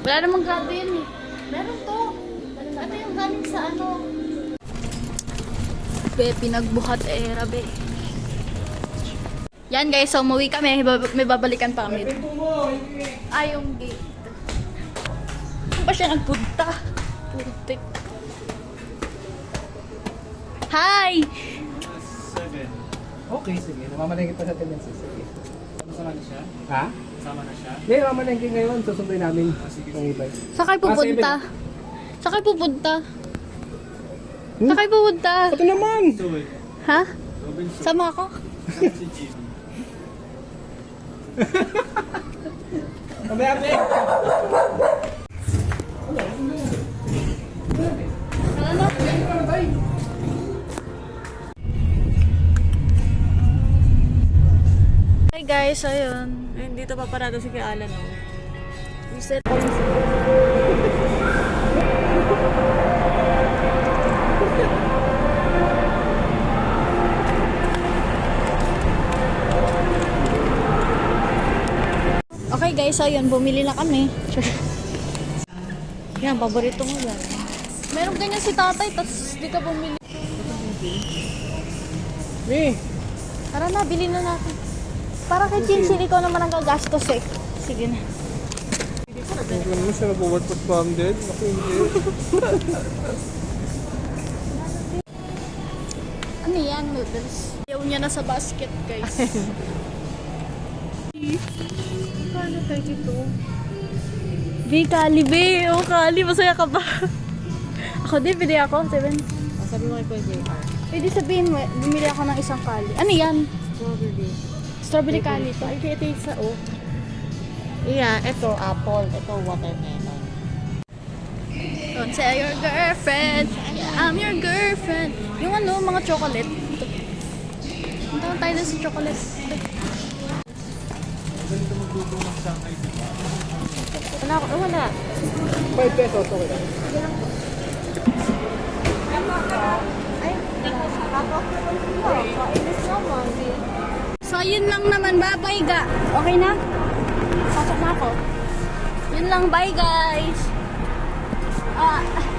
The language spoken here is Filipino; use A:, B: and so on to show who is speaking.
A: Wala namang grado yan eh. Meron to. Ito yung galing sa ano. Be, pinagbuhat era be. Yan guys, so umuwi kami. May babalikan pa kami. Ay, yung gate. Saan ba siya nagpunta? Putik. Hi!
B: Okay, sige. Namamalengke pa sa tendency. Sige.
C: Kasama na siya?
B: Ha?
C: Kasama na siya?
B: Hindi, namamalengke ngayon. Susunduin namin. Ang ibay.
A: Saan kayo pupunta? Saan kayo pupunta?
B: Hmm?
A: Saan kayo pupunta?
B: Ito naman!
C: Tuloy.
A: Ha?
C: Robinson.
A: Sama ako?
C: Si Jim.
B: Mamaya, be!
A: Hi guys, ayun.
D: Ayun, dito pa parado si Kuya Alan, oh.
A: Reset. Okay guys, ayun. Bumili na kami.
D: Yan, paborito mo yan.
A: Meron ganyan si tatay, tas di ka bumili.
B: Me!
A: Tara na, bilhin na natin. Para kay Chinsin, ikaw naman ang gagastos eh. Sige na.
B: Hindi naman siya nabuwat pa banded. Ako hindi.
A: Ano yan, noodles? Ayaw niya na sa basket, guys.
D: Kano tayo dito?
A: Be, Kali, be. Oh, Kali, masaya ka ba? Ako din, pili ako. 7.
D: Sabi mo kay Kuya JR.
A: Pwede sabihin mo, bumili ako ng isang Kali. Ano yan?
D: Strawberry.
A: Strawberry Kali to. Ay, ito yung sa O.
D: Yeah, ito apple, ito watermelon.
A: Don't say your girlfriend. Yeah, I'm your girlfriend. Yung ano, mga chocolate. Punta tayo na sa chocolate.
C: Ganito magdudong ng Shanghai, di ba?
D: Wala ako, wala.
B: 5 pesos, okay lang.
A: So, yun lang naman. Bye-bye, ga. Okay na? Pasok na ako. Yun lang. Bye, guys.